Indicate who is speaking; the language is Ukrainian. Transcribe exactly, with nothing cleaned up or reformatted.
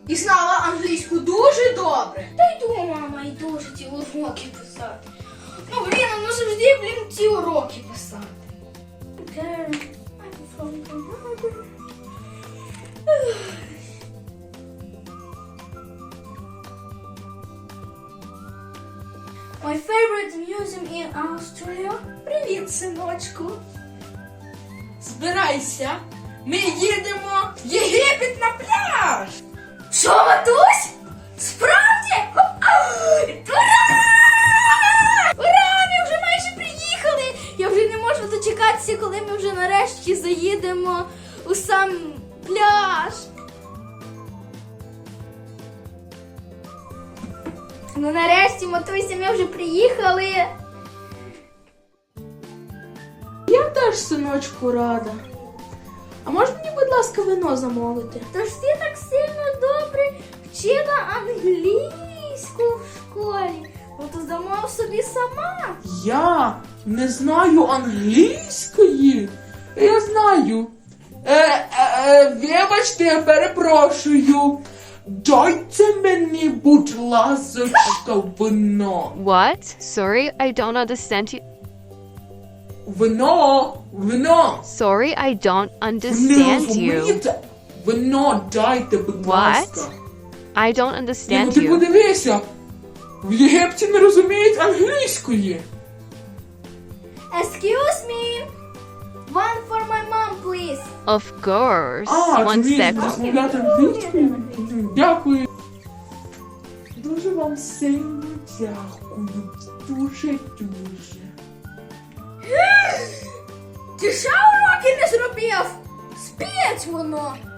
Speaker 1: І знала англійську дуже добре.
Speaker 2: Та йду, мама, йду вже ті уроки писати. Ну, блін, ну завжди, блін, ті уроки писати. Girl, I'm from Canada. My favorite museum in Austria.
Speaker 1: Привіт, синочку. Збирайся. Ми їдемо в Єгипет на пляж.
Speaker 2: Що, матусь? Справді? Ура! Ура! Ми вже майже приїхали! Я вже не можу дочекатися, коли ми вже нарешті заїдемо у сам пляж. Ну нарешті, матуся, ми вже приїхали.
Speaker 1: Я теж, синочку, рада. А можна мені, будь ласка, вино замовити?
Speaker 2: Тож ти так сильно добре вчила англійську в школі. Ну то замов собі сама.
Speaker 3: Я не знаю англійської. Я знаю. Е, е, е, вибачте, я перепрошую. Дайте мені, будь ласка, вино.
Speaker 4: What? Sorry, I don't understand you.
Speaker 3: Вино, вино.
Speaker 4: Sorry, I don't
Speaker 3: Не
Speaker 4: understand you.
Speaker 3: розумієте? Вино дайте, будь
Speaker 4: What?
Speaker 3: ласка.
Speaker 4: I don't
Speaker 3: Ні, ну
Speaker 4: understand
Speaker 3: ти
Speaker 4: you.
Speaker 3: подивися. В Єгипті не розуміють англійської.
Speaker 2: Excuse me. One for my mom, please.
Speaker 4: Of course.
Speaker 3: А,
Speaker 4: One
Speaker 3: ти вмієш
Speaker 4: second.
Speaker 3: розмовляти англійською? Мгм, Дякую. Дуже вам сильно дякую. Дуже-дуже.
Speaker 2: Ти ще уроки не зробив? Спіть воно.